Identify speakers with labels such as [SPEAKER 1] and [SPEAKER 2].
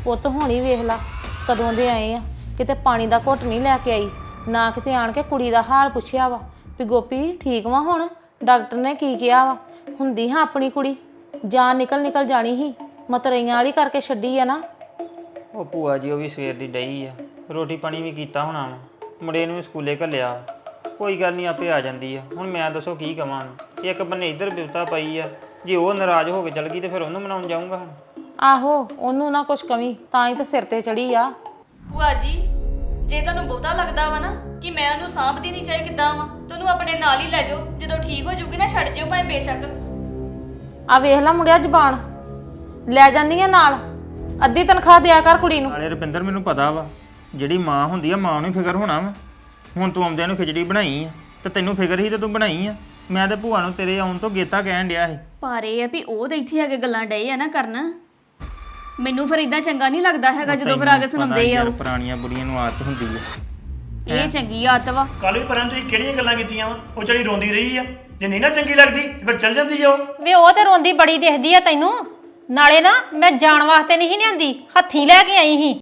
[SPEAKER 1] ਪੁੱਤ ਹੋਣੀ ਵੇਖ ਲਾ ਕਦੋਂ ਦੇ ਆਏ ਆ, ਕਿਤੇ ਪਾਣੀ ਦਾ ਘੁੱਟ ਨਹੀਂ ਲੈ ਕੇ ਆਈ, ਨਾ ਕਿਤੇ ਆਣ ਕੇ ਕੁੜੀ ਦਾ ਹਾਲ ਪੁੱਛਿਆ ਵਾ ਵੀ ਗੋਪੀ ਠੀਕ ਵਾ ਹੁਣ, ਡਾਕਟਰ ਨੇ ਕੀ ਕਿਹਾ ਵਾ। ਹੁੰਦੀ ਹਾਂ ਆਪਣੀ ਕੁੜੀ, ਜਾਨ ਨਿਕਲ ਜਾਣੀ ਸੀ, ਮਤਰਈਆਂ ਵਾਲੀ ਕਰਕੇ ਛੱਡੀ ਆ ਨਾ।
[SPEAKER 2] ਉਹ ਭੂਆ ਜੀ ਉਹ ਵੀ ਸਵੇਰ ਦੀ ਡਈ ਆ, ਰੋਟੀ ਪਾਣੀ ਵੀ ਕੀਤਾ ਹੋਣਾ ਵਾ, ਮੁੰਡੇ ਨੂੰ ਵੀ ਸਕੂਲੇ ਘੱਲਿਆ। ਕੋਈ ਗੱਲ ਨਹੀਂ ਆਪੇ ਆ ਜਾਂਦੀ ਆ। ਹੁਣ ਮੈਂ ਦੱਸੋ ਕੀ ਕਵਾਂ, ਇੱਕ ਬੰਨੇ ਇੱਧਰ ਬਿਪਤਾ ਪਈ ਆ, ਜੇ ਉਹ ਨਾਰਾਜ਼ ਹੋ ਕੇ ਚਲ ਗਈ ਤੇ ਫਿਰ ਉਹਨੂੰ ਮਨਾਉਣ ਜਾਊਂਗਾ ਹੁਣ।
[SPEAKER 1] ਆਹੋ ਉਹਨੂੰ ਨਾ ਕੁਛ ਕਮੀ, ਤਾਂ ਹੀ ਤਾਂ ਸਿਰ ਤੇ ਚੜੀ ਆ।
[SPEAKER 3] ਭੂਆ ਜੀ ਜੇ ਤੁਹਾਨੂੰ ਬਹੁਤਾ ਲੱਗਦਾ ਵਾ ਨਾ ਕਿ ਮੈਂ ਉਹਨੂੰ ਸਾਂਭਦੀ ਨਹੀਂ ਚਾਹੀ ਕਿੱਦਾਂ ਵਾ, ਤੁਹਾਨੂੰ ਆਪਣੇ ਨਾਲ ਹੀ ਲੈ ਜਾਓ, ਜਦੋਂ ਠੀਕ ਹੋ ਜੂਗੀ ਨਾ ਛੱਡ ਜਿਓ ਭਾਵੇਂ ਬੇਸ਼ੱਕ।
[SPEAKER 1] ਆ ਵੇਖ ਲੈ ਮੁੰਡਿਆ ਜ਼ਬਾਨ ਲੈ ਜਾਂਦੀ ਆ ਨਾਲ, ਅੱਧੀ ਤਨਖਾਹ ਦਿਆ ਕਰ ਕੁੜੀ ਨੂੰ।
[SPEAKER 2] ਨਾਲੇ ਰੁਪਿੰਦਰ ਮੈਨੂੰ ਪਤਾ ਵਾ ਜਿਹੜੀ ਮਾਂ ਹੁੰਦੀ ਆ ਮਾਂ ਨੂੰ ਫਿਕਰ ਹੋਣਾ ਵਾ। ਹੁਣ ਤੂੰ ਆਉਂਦਿਆਂ ਨੂੰ ਖਿਚੜੀ ਬਣਾਈ ਆ ਤੇ ਤੈਨੂੰ ਫਿਕਰ ਸੀ ਤੇ ਤੂੰ ਬਣਾਈ ਆ। ਮੈਂ ਤੇ ਭੂਆ ਨੂੰ ਤੇਰੇ ਆਉਣ ਤੋਂ ਗੇਤਾ ਕਹਿਣ ਡਿਆ ਸੀ।
[SPEAKER 3] ਪਰ ਇਹ ਆ ਵੀ ਉਹ ਤਾਂ ਇੱਥੇ ਆ ਕੇ ਗੱਲਾਂ ਡਏ ਆ ਨਾ ਕਰਨ, ਮੈਨੂੰ ਫਿਰ ਇਦਾਂ ਚੰਗਾ ਨਹੀਂ ਲੱਗਦਾ ਹੈਗਾ ਜਦੋਂ ਫਿਰ ਆ ਕੇ ਸੁਣਾਉਂਦੇ ਆ।
[SPEAKER 2] ਪੁਰਾਣੀਆਂ ਬੁੜੀਆਂ ਨੂੰ ਆਦਤ ਹੁੰਦੀ ਆ।
[SPEAKER 3] ਇਹ ਚੰਗੀ ਆਦਤ ਵਾ।
[SPEAKER 4] ਕੱਲ ਵੀ ਪਰਾਂ ਤੁਸੀਂ ਕਿਹੜੀਆਂ ਗੱਲਾਂ ਕੀਤੀਆਂ ਵਾ, ਉਹ ਜਿਹੜੀ ਰੋਂਦੀ ਰਹੀ ਆ, ਜੇ ਨਹੀਂ ਨਾ ਚੰਗੀ ਲੱਗਦੀ ਤੇ ਫਿਰ ਚੱਲ ਜਾਂਦੀ ਆ ਉਹ।
[SPEAKER 5] ਵੇ ਉਹ ਤੇ ਰੋਂਦੀ ਬੜੀ ਦਿਖਦੀ ਆ ਤੈਨੂੰ, ਨਾਲੇ ਨਾ ਮੈਂ ਜਾਣ ਵਾਸਤੇ ਨਹੀਂ ਸੀ ਲਿਆਂਦੀ, ਹੱਥੀਂ ਲੈ ਕੇ ਆਈ ਸੀ।